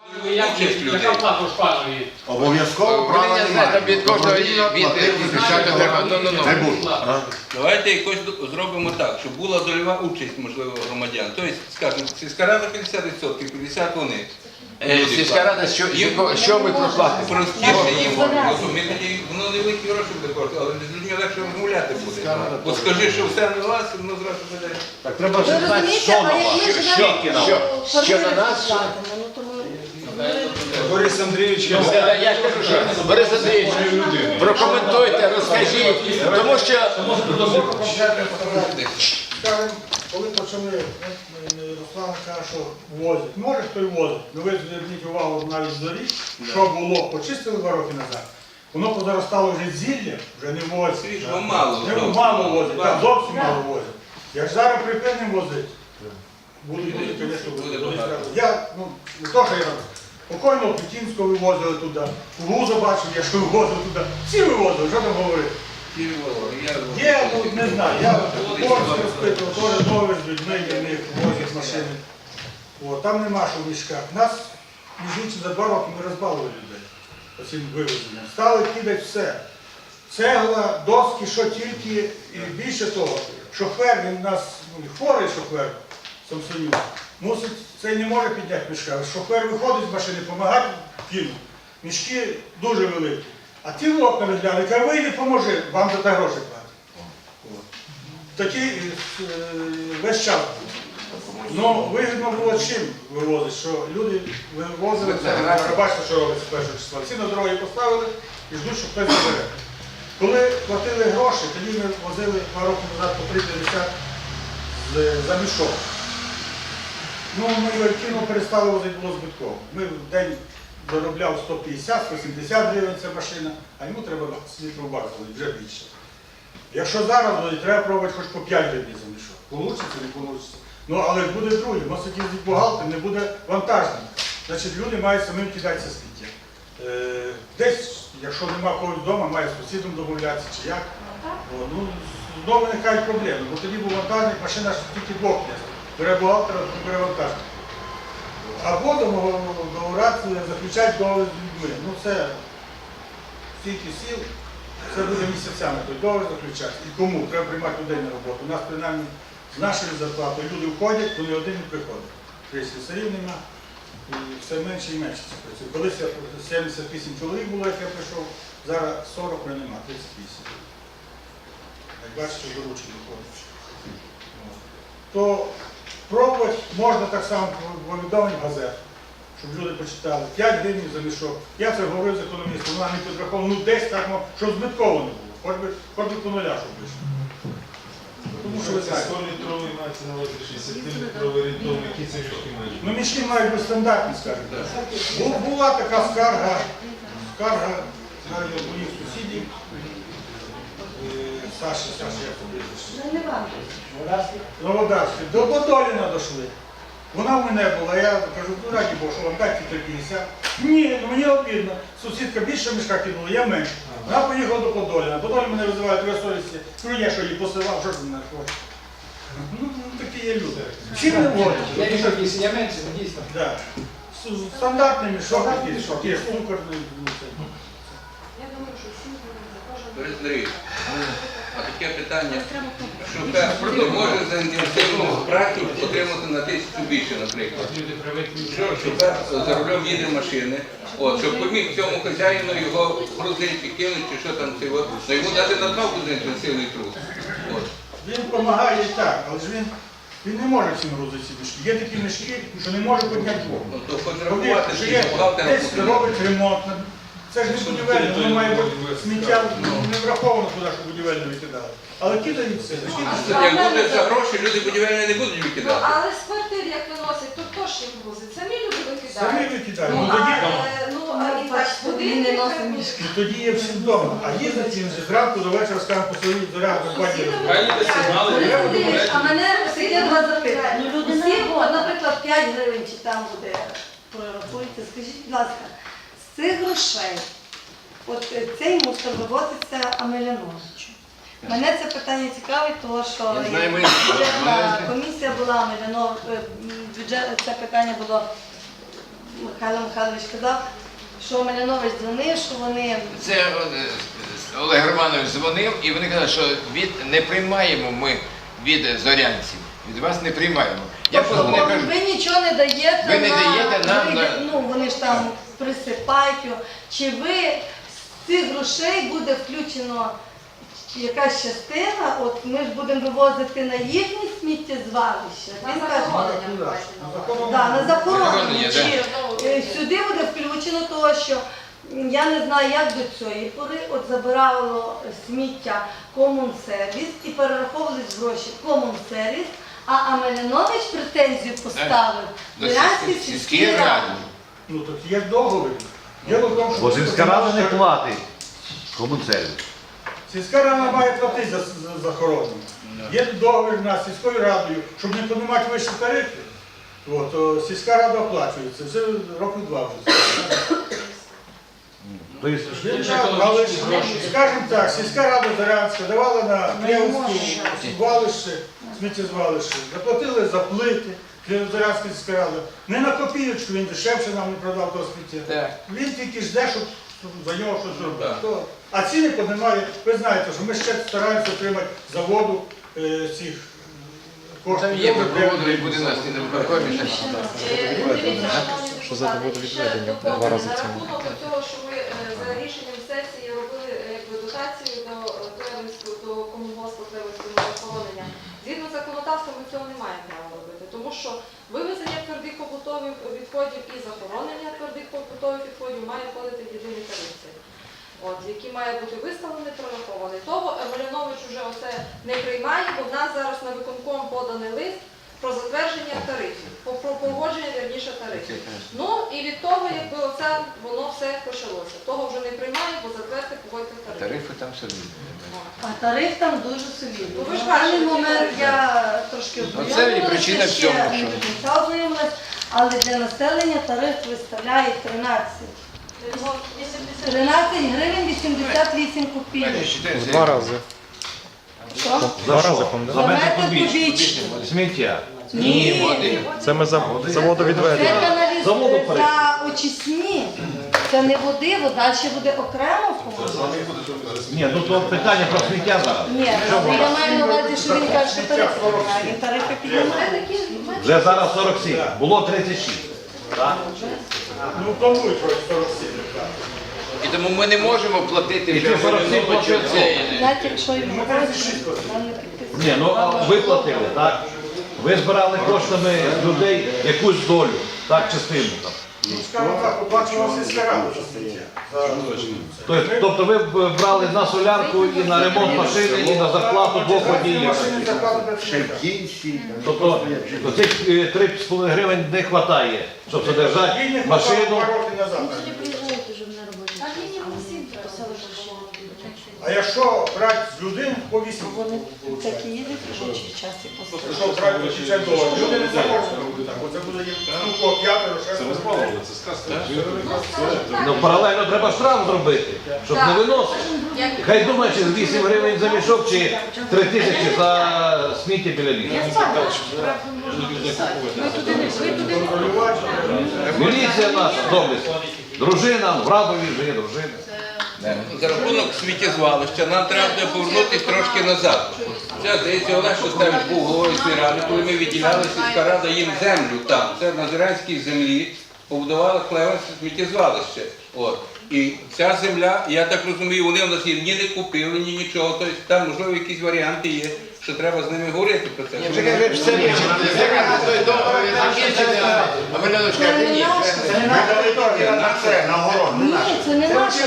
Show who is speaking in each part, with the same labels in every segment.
Speaker 1: Яка плата у шпанові?
Speaker 2: Обов'язково права немає.
Speaker 3: Від кожного
Speaker 2: не буде.
Speaker 4: Давайте якось зробимо так, щоб була дольова участь, можливо, громадян. Тобто, скажімо, сільська рада 50%, 50% вони.
Speaker 3: Сільська рада, що ми проплатимо?
Speaker 4: Простіше їм, ми тоді, воно невеликі гроші буде коштувати, але з людьми легше розмовляти буде. Бо скажи, що все на вас, воно зразу буде.
Speaker 2: Так треба вже знати, що на вас.
Speaker 3: Що на нас?
Speaker 2: Борис Андрійович,
Speaker 3: Я ж кажу, що Борис Андрійович, прокоментуйте, розкажіть, тому що...
Speaker 5: Коли почали, Руслан каже, що возять. Може хто й возить. Ну ви зверніть увагу навіть з доріг, що було, почистили 2 роки назад. Воно позаростало вже зілля, вже не возять. Мало возять, так, зовсім мало возять. Як зараз припинимо возити, будуть, звісно, будуть. Я, не то, що я роблю. Покойного Путінського вивозили туди, Луза бачив, я що вивозив туди. Всі вивозили, що там говорити? Є, не знаю, я Борськ розпитував, теж нові з людьми, є в них возять машини. Там нема що в мішках. Нас, між іншим, за 2 роки ми розбалили людей оцим вивезенням. Стали кидати все. Цегла, доски, що тільки, і більше того, шофер, він у нас хворий шофер, Самсонюк, мусить, цей не може підняти мішка. Шофер виходить з машини, допомагати кинуть. Мішки дуже великі. А ті в окна розглянули, каже, вийди, поможи, вам за те гроші платять. Такий весь час був. Ну, вигідно було чим вивозити, що люди вивозили, бачите, що робиться з 1 числа. Всі на дороги поставили і ждуть, що хтось забере. Коли платили гроші, тоді ми возили 2 роки назад по 3,50 за мішок. Ну, ми кіно перестали возити, було збитково. Ми в день заробляв 150-170 гривень ця машина, а йому треба літру баксу, вже більше. Якщо зараз треба пробувати хоч по 5 гривень за мішок. Получиться, не вийде. Ну, але буде друге, мусить їздити бухгалтер, не буде вантажника. Значить, люди мають самим кидатися сміття. Десь, якщо нема когось вдома, має з сусідом домовлятися чи як. Ну, знову виникають проблеми, бо тоді був вантажник, машина ж тільки 2 місць. Бере бухгалтера, бере вантажник. Або договорати, заключати договір з людьми. Ну це стільки сіл, це буде місяцями, той договір заключати. І кому? Треба приймати людей на роботу. У нас принаймні з нашою зарплатою люди входять, то ні один не приходить. Слюсарів нема, і все менше і менше це працює. Колись 78 чоловік було, як я прийшов, зараз 40 вже нема, 38. Як бачите, доручення виходить. То пробувати можна так само повідомлень газет, щоб люди почитали. 5 гривень за мішок. Я це говорив з економістом, вона не підраховувала, ну десь так, щоб збитково не було. Хоч би по нуля, щоб вийшло. Тому що ви знаєте.
Speaker 6: 100-літровий мається на увазі 60-літровий орієнтовний, які це мішки мають?
Speaker 5: Ну мішки мають бути стандартні, скажімо. Була така скарга навіть моїх сусідів. Саші, як побіжиш. Новодарський. До Подоліна дійшли. Вона в мене була, я кажу, ну раді Бог, що вам дайте 350. Ні, ну мені обідно. Сусідка більше мішка кинула, я менше. Вона поїхала до Подоліна. Подолін мене визиває твоя совісті. Ну я що її посилав, що ж мене хоче. Ну такі є люди. Чим не вводять?
Speaker 1: Я мішок, якщо я менше, то дійсно.
Speaker 5: Так. Стандартний мішок, є сукорний.
Speaker 7: Я думаю, що всі
Speaker 4: Борис Андрійович, а таке питання, шофер не може за інтенсивну працю отримати на 1000 більше, наприклад. Що шофер за рулем їде машини, щоб поміг цьому хазяїну його грузити, кинути, чи що там, то йому дати надбавку за інтенсивний труд.
Speaker 5: Він допомагає і так, але ж він не може всім грузити ці мішки. Є такі мішки, що не може підняти вогонь.
Speaker 4: Ну, то хоч рахувати, що є
Speaker 5: десь робить ремонт. Це ж не будівельне, воно має бути сміття, не враховано туди, що будівельне викидали. Але кидають все.
Speaker 4: Як буде за гроші, люди будівельні не будуть викидати.
Speaker 7: але з квартир, як виносять, то хто ж їм грузить? Самі люди викидають.
Speaker 5: Самі викидають.
Speaker 7: І так, будинки
Speaker 5: тоді є всім вдома. А їздить він зранку до вечора, скажемо, по своїй дорогах на бані.
Speaker 7: А мене таке два запитання. Наприклад, 5 гривень чи там буде прорахується. Скажіть, будь ласка, з цих грошей, от цей мусор вивозиться Амеляновичу. Мене це питання цікавить, тому що бюджетна комісія була, це питання було Михайло Михайлович казав, що Малянович дзвонив, що вони...
Speaker 3: Це Олег Романович дзвонив, і вони казали, що не приймаємо ми від зорянців. Від вас не приймаємо. Я позвонив, кажу,
Speaker 7: Ви нічого не даєте
Speaker 3: ви не даєте нам на-
Speaker 7: ну вони ж там присипають його. Чи ви з цих грошей буде включено якась частина, от ми ж будемо вивозити на їхні сміттєзвалища? Він каже, да, на захоронення.
Speaker 3: Захоронення,
Speaker 7: Чи сюди буде включено того, що я не знаю, як до цієї пори от забирало сміття комунсервіс і перераховувались гроші комунсервіс, а Малянович претензію поставив
Speaker 3: до
Speaker 7: Зорянській
Speaker 3: сільській
Speaker 7: сільській
Speaker 3: раді.
Speaker 7: раді.
Speaker 5: Ну тут є договір. Діло в тому, що
Speaker 2: Бо сільська рада не платить комунсервіс.
Speaker 5: сільська рада має платити за захоронення. Є договір на сільською радою, щоб не піднімати вищі тарифи. От, то сільська рада оплачується. Вже років 2 вже. Але ж, скажімо так, сільська рада Зорянська давала на Клевську звалище, сміттєзвалище, заплатили за плити, Зорянська сільська рада. Не на копійочку, він дешевше нам не продав того сміття.
Speaker 3: Так.
Speaker 5: Він тільки жде, щоб за нього щось зробити. А ціни піднімає, ви знаєте, що ми ще стараємося отримати заводу цих коштів.
Speaker 3: Там є припроводний будинок, і на виконкомі.
Speaker 8: Що за водовідведення? Два рази це. На рахунок того, що ми за рішенням сесії робили якби дотацію до комунгоспу Клевського захоронення. Згідно з законодавством ми цього не маємо права робити, тому що вивезення твердих побутових відходів і захоронення твердих побутових відходів має входити в єдиний тариф, який має бути виставлений, прорахований. Того Малянович вже оце не приймає, бо в нас зараз на виконком поданий лист про затвердження тарифів, про погодження, вірніше, тарифів. Ну і від того, якби оце воно все почалося. Того вже не приймає, бо затвердити погодьте тарифи.
Speaker 3: Тарифи там солідні.
Speaker 7: А тариф там дуже солідний.
Speaker 8: Ну, ви ж
Speaker 7: В даний
Speaker 8: бачите,
Speaker 7: момент я трошки
Speaker 3: це і причина
Speaker 7: ще
Speaker 3: всього,
Speaker 7: не
Speaker 3: що-
Speaker 7: до кінця ознайомилась, але для населення тариф виставляє 13 гривень 88 копійок.
Speaker 8: В два рази.
Speaker 7: Що?
Speaker 8: Два рази, по-моєму.
Speaker 2: За метр
Speaker 7: Метр
Speaker 2: кубічний.
Speaker 7: кубічний.
Speaker 2: Сміття.
Speaker 7: Ні,
Speaker 8: Це ми за
Speaker 7: це
Speaker 8: водовідведення.
Speaker 2: Заводу
Speaker 7: за очисні. Це не води, вода ще буде окремо в комусь.
Speaker 2: Ні, ну то питання про сміття зараз.
Speaker 7: Ні, я маю на увазі, що він каже, що тарифи піднімає. Він тарифи піднімає.
Speaker 2: Вже зараз 47, було 36. Так?
Speaker 5: Ну, планують трохи 47. так.
Speaker 3: І тому ми не можемо платити
Speaker 2: І
Speaker 3: вже
Speaker 2: ти 47
Speaker 3: Маляновичу
Speaker 2: платив.
Speaker 3: цей.
Speaker 7: Навіть якщо йому
Speaker 5: Ми 36 платимо.
Speaker 7: там не підписує.
Speaker 2: Ні, ну а ви платили, так? Ви збирали коштами людей якусь долю, так, частину там.
Speaker 5: Ну, скажімо так, оплачувала сільська рада за сміття.
Speaker 2: Тобто ви б брали на солярку і на ремонт машини, і на зарплату двох водіїв.
Speaker 5: Машини зарплату працівника.
Speaker 2: Тобто цих 3,5 гривень не вистачає, щоб содержати
Speaker 5: Їй не
Speaker 2: машину.
Speaker 5: хватало 2 роки назад. А якщо брати з людини, по 8
Speaker 7: Такі їдуть робочий час і послухають.
Speaker 5: Якщо брати по 60 доларів, люди не захочуть робити так. Оце буде їм, ну, по 5-ро, 6-ро.
Speaker 6: Це сказка.
Speaker 2: Ну, паралельно треба штраф зробити, щоб не виносити. Хай думає, чи 8 гривень за мішок, чи 3 тисячі за сміття біля лісу.
Speaker 5: Контролювати.
Speaker 2: Міліція наша, доблесна. Дружина, в Радові вже є дружина.
Speaker 4: За рахунок сміттєзвалища нам треба буде повернутися трошки назад. Це, здається, Олег Шостевич був головою ради, коли ми відділяли, сільська рада їм землю там. Це на Зорянській землі побудували Клевенське сміттєзвалище. От. І ця земля, я так розумію, вони у нас її ні не купили, ні нічого. Тобто там, можливо, якісь варіанти є, що треба з ними говорити про це.
Speaker 3: Вже каже, все вичерпно. Вже каже, той договір закінчиться, а Малянович каже, ні, це не
Speaker 7: Ні, це не наше.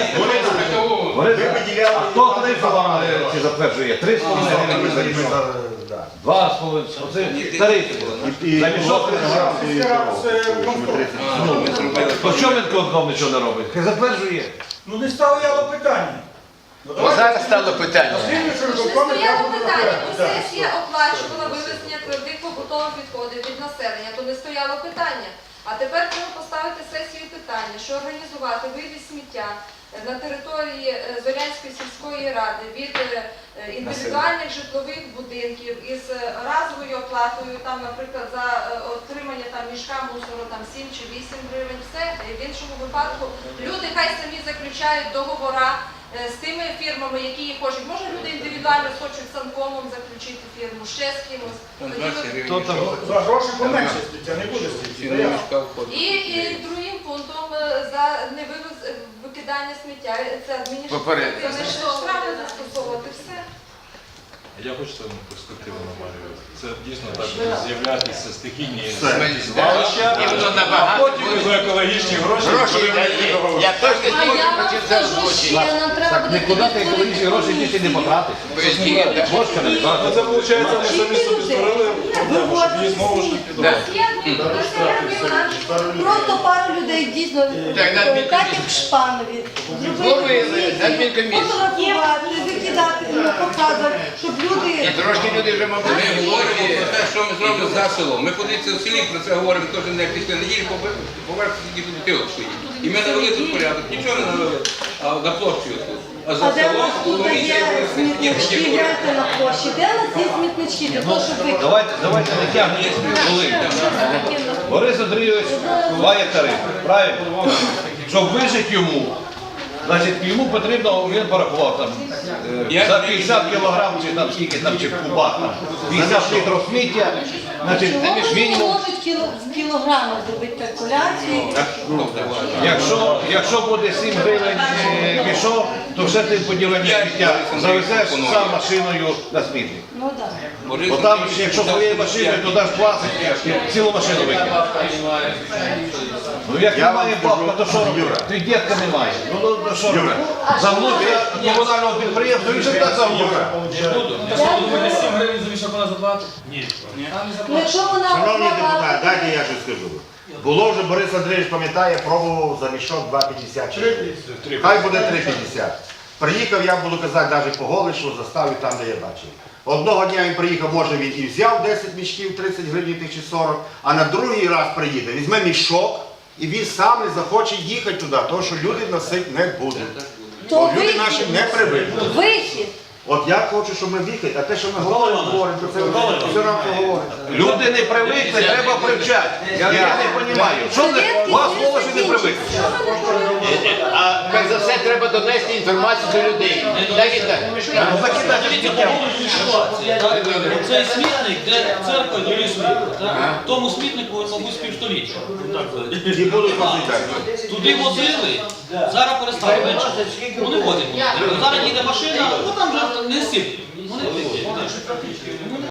Speaker 2: А хто тарифи вам ці затверджує? 3,5 гривень. 2,5. Оце тарифи. За мішок 3 гривень.
Speaker 5: Сільська рада це контроль.
Speaker 4: Ми зробили.
Speaker 2: То що він конком нічого не робить? Хай затверджує.
Speaker 5: Ну не стояло питання.
Speaker 3: Бо зараз стало питання.
Speaker 8: Не стояло питання, бо сесія оплачувала вивезення твердих побутових відходів від населення, то не стояло питання. А тепер треба поставити сесію питання. питання, що організувати вивіз сміття на території Зорянської сільської ради від індивідуальних житлових будинків із разовою оплатою, там, наприклад, за отримання там мішка мусору там 7 чи 8 гривень, все. В іншому випадку люди хай самі заключають договора з тими фірмами, які їх хочуть. Може, люди індивідуально хочуть з санкомом заключити фірму, ще з кимось.
Speaker 2: Хто там?
Speaker 5: За гроші поменше стаття, не буде стаття.
Speaker 8: І другим пунктом за невивез викидання сміття це
Speaker 3: Попередньо.
Speaker 8: адміністративне штрафи застосовувати все.
Speaker 6: Я хочу там перспективу намалювати. Це дійсно так буде з'являтися стихійні
Speaker 3: Звалища, і воно
Speaker 6: а
Speaker 3: набагато
Speaker 6: потім
Speaker 3: буде.
Speaker 6: за екологічні гроші
Speaker 3: Гроші
Speaker 6: будемо
Speaker 3: дає.
Speaker 6: договор.
Speaker 3: Я точно
Speaker 7: А
Speaker 3: не
Speaker 7: я
Speaker 3: можу
Speaker 7: вам
Speaker 3: почати за
Speaker 7: скажу
Speaker 3: злочин.
Speaker 7: ще, нам треба
Speaker 2: Так
Speaker 7: буде
Speaker 2: нікуди ти екологічні гроші діти не потратиш. Бошка не
Speaker 6: А
Speaker 2: тратить.
Speaker 6: це виходить, ми самі собі створили проблему, щоб її знову ж таки
Speaker 3: Да.
Speaker 7: Просто пару людей дійсно
Speaker 3: Так, на адмінкомісії.
Speaker 7: так як в Шпанові.
Speaker 3: Зловили, на адмінкомісії.
Speaker 7: Фотографувати, викидати, показувати, щоб
Speaker 3: І
Speaker 7: люди...
Speaker 3: трошки люди вже, мабуть,
Speaker 4: Ми говоримо про те, що ми зробимо за селом. Ми подивіться в селі, про це говоримо кожен день після неділі, поверх тільки бутилок стоїть. І ми навели тут порядок, нічого не навели, а на площі отут. А за
Speaker 7: А де у
Speaker 4: селом
Speaker 7: нас тут
Speaker 4: говорить,
Speaker 7: є смітнички, гляньте на площі? Де у нас є смітнички для того, щоб викидати?
Speaker 2: Давайте не тягнемо хвилин. Борис Андрійович має тариф, правильно? Щоб вижити йому, значить йому потрібно, він порахував там за 50 кілограм чи там скільки там чи в кубах там 50 літрів сміття, значить
Speaker 7: Чого ви не
Speaker 2: мінімум.
Speaker 7: можуть в кілограмах зробити калькуляцію?
Speaker 2: Якщо буде 7 гривень мішок, то все ти поділення сміття завезеш сам машиною на смітник.
Speaker 7: Ну так.
Speaker 2: Бо там, якщо своєю машиною, то даш платить, цілу машину викинеш. Ну як немає бабка, то що робити? Ти дітка немає. Ну що робити? Замнути комунального підприємства, він же так замнує.
Speaker 1: Думаєте, 7 гривень за мішок вона заплатить? Ні.
Speaker 7: Ну якщо вона...
Speaker 9: Шановні депутати, дайте я щось скажу. Було вже, Борис Андрійович пам'ятає, пробував за мішок 2,50.
Speaker 5: 3,50.
Speaker 9: Хай буде 3,50. Приїхав, я буду казати, навіть по Голишу, заставив там, де я бачив. Одного дня він приїхав, може він і взяв 10 мішків, 30 гривень чи 40, а на другий раз приїде, візьме мішок, і він сам не захоче їхати туди, тому що люди носити не будуть. Бо люди наші не привикли.
Speaker 7: Вихід.
Speaker 9: От я хочу, щоб ми віхали, а те, що ми говоримо, то це все нам поговоримо.
Speaker 2: Люди не привикли, треба привчати. Я не розумію. Що не, вас мова ж не привикли.
Speaker 3: А перш за все треба донести інформацію до людей. Так і так.
Speaker 2: Ну, закидайте сміття.
Speaker 10: Цей смітник, де церква до лісу, в тому смітнику, мабуть, півстоліття.
Speaker 9: І будуть розглядати.
Speaker 10: Туди возили, зараз перестали менше. Вони возять. Зараз їде машина, ну там вже не сильно. Вони